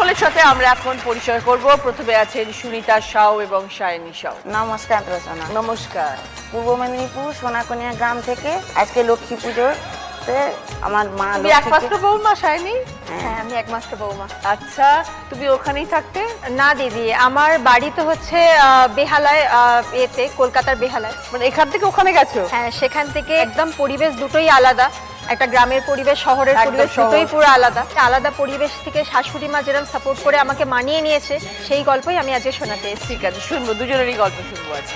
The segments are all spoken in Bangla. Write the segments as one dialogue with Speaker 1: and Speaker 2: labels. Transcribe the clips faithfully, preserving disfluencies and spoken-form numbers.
Speaker 1: সকলের সাথে আমরা এখন পরিচয় করব। প্রথমে আছেন সুনিতা সাউ এবং সায়নী সাউ।
Speaker 2: নমস্কার রচনা।
Speaker 1: নমস্কার।
Speaker 2: পূর্ব মেদিনীপুর সোনাকনিয়া গ্রাম থেকে আজকে লক্ষ্মী পুজোতে আমার মা
Speaker 1: তুমি একমাত্র বৌমা সায়নী?
Speaker 3: হ্যাঁ, আমি একমাত্র বৌমা।
Speaker 1: আচ্ছা, তুমি ওখানেই থাকতে?
Speaker 3: না দিদি, আমার বাড়ি তো হচ্ছে বেহালায়, এতে কলকাতার বেহালায়।
Speaker 1: মানে এখান থেকে ওখানে গেছো?
Speaker 3: হ্যাঁ, সেখান থেকে একদম পরিবেশ দুটোই আলাদা। একটা গ্রামের পরিবেশ, শহরের
Speaker 1: একদম
Speaker 3: পরিবেশ,
Speaker 1: শহর।
Speaker 3: দুটোই পুরো আলাদা। আলাদা পরিবেশ থেকে শাশুড়ি মা যেরকম সাপোর্ট করে আমাকে মানিয়ে নিয়েছে, সেই গল্পই আমি আজকে শোনাতে এসেছি।
Speaker 1: ঠিক আছে, শুনবো, দুজনেরই গল্প শুনবো আজকে।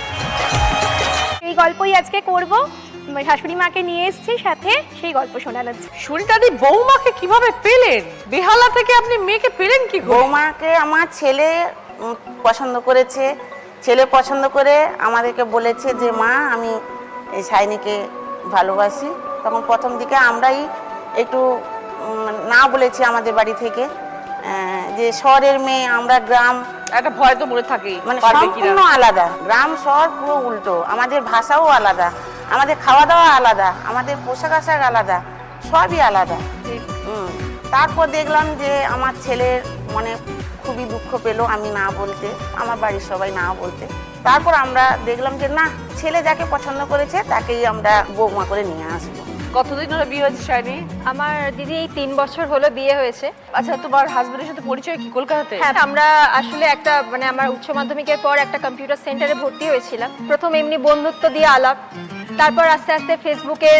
Speaker 4: এই গল্পই আজকে করব। শাশুড়ি মাকে নিয়ে এসেছি সাথে, সেই গল্প শোনানো।
Speaker 1: সুনিতাদি, বৌমাকে কিভাবে পেলেন? বেহালা থেকে আপনি মেয়েকে পেলেন কি করে?
Speaker 2: বৌমাকে আমার ছেলে উম, পছন্দ করেছে। ছেলে পছন্দ করে আমাদেরকে বলেছে যে মা আমি এই সায়নীকে ভালোবাসি। তখন প্রথম দিকে আমরাই একটু উম, না বলেছি আমাদের বাড়ি থেকে, আহ, যে শহরের মেয়ে, আমরা গ্রাম,
Speaker 1: একটা ভয় তো মনে থাকেই,
Speaker 2: মানে
Speaker 1: পারবে কিনা।
Speaker 2: সম্পূর্ণ আলাদা। গ্রাম শহর পুরো উল্টো। আমাদের ভাষাও আলাদা, আমাদের খাওয়া দাওয়া আলাদা, আমাদের পোশাক আশাক আলাদা, সবই আলাদা। হুম। তারপর দেখলাম যে আমার ছেলের মনে খুবই দুঃখ পেলো আমি না বলতে, আমার বাড়ির সবাই না বলতে। তারপর আমরা দেখলাম যে না, ছেলে যাকে পছন্দ করেছে তাকেই আমরা বৌমা করে নিয়ে আসবো।
Speaker 1: কতদিন হলো বিয়ে হয়েছে সায়নী?
Speaker 3: আমার দিদি এই তিন বছর হলো বিয়ে হয়েছে।
Speaker 1: আচ্ছা, তোমার হাজবেন্ডের সাথে পরিচয় কি কলকাতাতে?
Speaker 3: হ্যাঁ, আমরা আসলে একটা মানে আমার উচ্চ মাধ্যমিকের পর একটা কম্পিউটার সেন্টারে ভর্তি হয়েছিলাম। প্রথম এমনি বন্ধুত্ব দিয়ে আলাপ, তারপর আস্তে আস্তে ফেসবুকের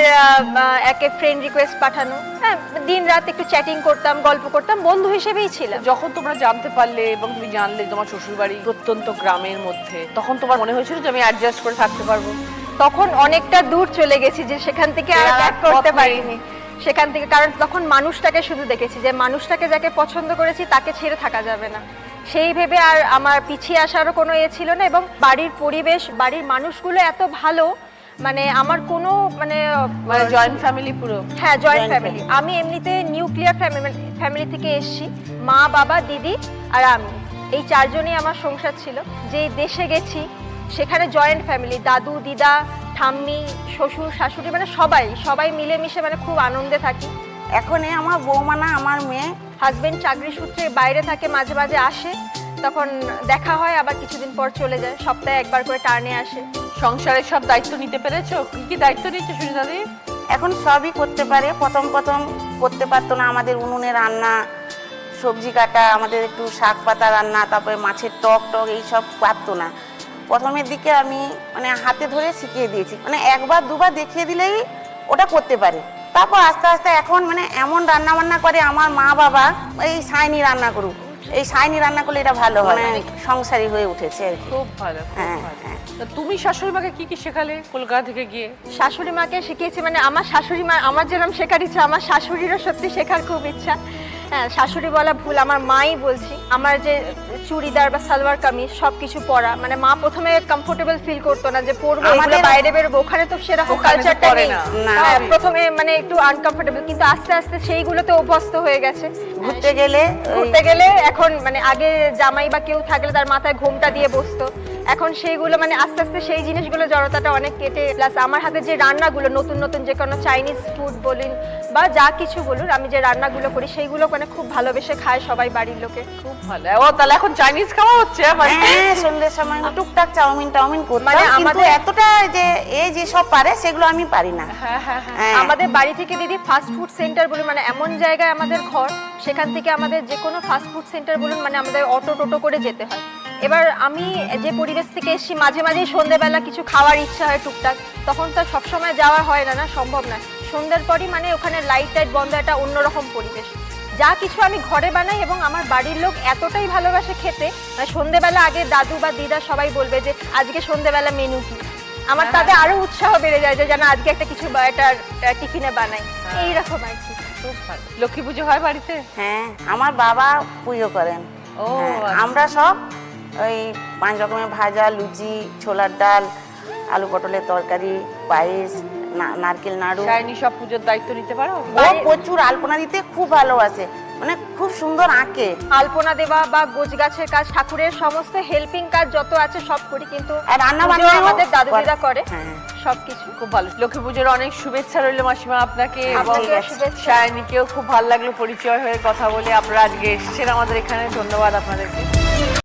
Speaker 3: একে ফ্রেন্ড রিকোয়েস্ট পাঠানো, হ্যাঁ, দিন রাত একটু চ্যাটিং করতাম, গল্প করতাম, বন্ধু হিসেবেই ছিলাম।
Speaker 1: যখন তোমরা জানতে পারলে এবং তুমি জানলে তোমার শ্বশুরবাড়ি প্রত্যন্ত গ্রামের মধ্যে, তখন তোমার মনে হয়েছিল যে আমি অ্যাডজাস্ট করে থাকতে পারবো?
Speaker 3: তখন অনেকটা দূর চলে গেছি, যে সেখান থেকে আর ব্যাক করতে পারিনি সেখান থেকে। কারণ তখন মানুষটাকে শুধু দেখেছি, যে মানুষটাকে যাকে পছন্দ করেছি তাকে ছেড়ে থাকা যাবে না, সেই ভেবে আর আমার পিছিয়ে আসারও কোনো এ ছিল না। এবং বাড়ির পরিবেশ, বাড়ির মানুষগুলো এত ভালো, মানে আমার কোনো মানে
Speaker 1: মানে জয়েন্ট ফ্যামিলি পুরো?
Speaker 3: হ্যাঁ, জয়েন্ট ফ্যামিলি। আমি এমনিতে নিউক্লিয়ার ফ্যামিলি ফ্যামিলি থেকে এসেছি। মা, বাবা, দিদি আর আমি, এই চারজনই আমার সংসার ছিল। যে দেশে গেছি সেখানে জয়েন্ট ফ্যামিলি, দাদু, দিদা, ঠাম্মি, শ্বশুর, শাশুড়ি, মানে সবাই সবাই মিলেমিশে মানে খুব আনন্দে থাকি।
Speaker 2: এখন এ আমার বৌমা না, আমার মেয়ে।
Speaker 3: হাজবেন্ড চাকরি সূত্রে বাইরে থাকে, মাঝে মাঝে আসে, তখন দেখা হয়, আবার কিছুদিন পর চলে যায়, সপ্তাহে একবার করে টার্নে আসে।
Speaker 1: সংসারের সব দায়িত্ব নিতে পেরেছো? কি কি দায়িত্ব নিচ্ছে সুনিতাদি?
Speaker 2: এখন সবই করতে পারে। প্রথম প্রথম করতে পারতো না। আমাদের উনুনে রান্না, সবজি কাটা, আমাদের একটু শাক পাতা রান্না, তারপরে মাছের টক টক এইসব পারতো না। প্রথমের দিকে আমি মানে হাতে ধরে শিখিয়ে দিয়েছি, মানে একবার দুবার দেখিয়ে দিলেই ওটা করতে পারে। তারপর আস্তে আস্তে এখন মানে এমন রান্না বান্না করে, আমার মা বাবা এই সায়নী রান্না করুক, এই সায়নী রান্না করলে এটা ভালো হয়, মানে সংসারী হয়ে উঠেছে আর কি।
Speaker 1: খুব ভালো, খুব
Speaker 2: হ্যাঁ,
Speaker 1: ভালো।
Speaker 2: হ্যাঁ।
Speaker 1: তা তুমি শাশুড়ি মাকে কি কি শেখালে কলকাতা থেকে গিয়ে?
Speaker 3: শাশুড়ি মাকে শিখিয়েছি, মানে আমার শাশুড়ি মা আমার যেরকম শেখার ইচ্ছা, আমার শাশুড়িরও সত্যি শেখার খুব ইচ্ছা। হ্যাঁ, শাশুড়ি বলা ভুল, আমার মাই বলছি। আমার যে চুড়িদার বা সালোয়ার কামিজ সব কিছু পরা, মানে মা প্রথমে কমফোর্টেবল ফিল করতো না যে পরবো, আমাদের বাইরে বেরোবো, ওখানে তো সেরকম কালচারটা নেই। হ্যাঁ, প্রথমে মানে একটু আনকমফোর্টেবল, কিন্তু আস্তে আস্তে সেইগুলোতে অভ্যস্ত হয়ে গেছে।
Speaker 2: ঘুরতে গেলে
Speaker 3: ঘুরতে গেলে এখন মানে আগে জামাই বা কেউ থাকলে তার মাথায় ঘোমটা দিয়ে বসতো, এখন সেইগুলো মানে আস্তে আস্তে সেই জিনিসগুলো জড়তাটা অনেক কেটে। প্লাস আমার হাতে যে রান্নাগুলো, নতুন নতুন যে কোনো চাইনিজ ফুড বলুন বা যা কিছু বলুন, আমি যে রান্নাগুলো করি সেইগুলো মানে খুব ভালোবেসে খায় সবাই বাড়ির লোকে।
Speaker 1: খুব ভালো। ও তাহলে এখন চাইনিজ খাওয়া হচ্ছে?
Speaker 2: হ্যাঁ, সন্ধ্যের সময় টুকটাক চাউমিন টাউমিন করতাম,
Speaker 3: মানে
Speaker 2: কিন্তু
Speaker 3: আমাদের
Speaker 2: এতটা যে এই যে সব পারে সেগুলো আমি পারি না।
Speaker 1: হ্যাঁ হ্যাঁ হ্যাঁ।
Speaker 2: হ্যাঁ।
Speaker 3: আমাদের বাড়ি থেকে দিদি ফাস্ট ফুড সেন্টার বলুন, মানে এমন জায়গায় আমাদের ঘর, সেখান থেকে আমাদের যে কোনো ফাস্ট ফুড সেন্টার বলুন, মানে আমাদের অটো টোটো করে যেতে হয়। এবার আমি যে পরিবেশ থেকে এসেছি, মাঝে মাঝে সন্ধ্যেবেলা কিছু খাওয়ার ইচ্ছা হয় টুকটাক, তখন তো সবসময় যাওয়া হয় না, না সম্ভব না। সন্ধ্যার পরই মানে ওখানে লাইট টাইট বন্ধ, একটা অন্যরকম পরিবেশ। যা কিছু আমি ঘরে বানাই এবং আমার বাড়ির লোক এতটাই ভালোবাসে খেতে, মানে সন্ধ্যেবেলা আগে দাদু বা দিদা সবাই বলবে যে আজকে সন্ধ্যেবেলা মেনু কি, আমার তাতে আরো উৎসাহ বেড়ে যায় যে যেন আজকে একটা কিছু একটা টিফিনে বানাই, এইরকম আর কি।
Speaker 1: খুব ভালো। লক্ষ্মী পুজো হয় বাড়িতে?
Speaker 2: হ্যাঁ, আমার বাবা পুজো করেন।
Speaker 1: ও,
Speaker 2: হ্যাঁ, আমরা সব ওই পাঁচ রকমের ভাজা, লুচি, ছোলার ডাল, আলু পটলের তরকারি, পায়েস, নারকেল নাড়ু।
Speaker 1: সায়নী সব পুজোর দায়িত্ব নিতে পারো?
Speaker 2: ও প্রচুর আলপনা দিতে খুব ভালোবাসে। মানে খুব সুন্দর আঁকে।
Speaker 3: আলপনা দেওয়া বা গোছ গাছের কাজ, ঠাকুরের সমস্ত হেল্পিং কাজ যত আছে সব করি, কিন্তু
Speaker 2: আর রান্না
Speaker 3: পুজো
Speaker 2: বান্নাও
Speaker 3: আমাদের দাদু
Speaker 2: করে।
Speaker 3: দিদা করে
Speaker 2: হ্যাঁ।
Speaker 3: সবকিছু।
Speaker 1: খুব ভালো। লক্ষ্মী পুজোর অনেক শুভেচ্ছা রইল মাসিমা আপনাকে, এবং
Speaker 3: আপনাকেও শুভেচ্ছা।
Speaker 1: সায়নীকেও খুব ভালো লাগলো পরিচয় হয়ে কথা বলে। আপনারা আজকে এসেছেন আমাদের এখানে, ধন্যবাদ আপনাদেরকে।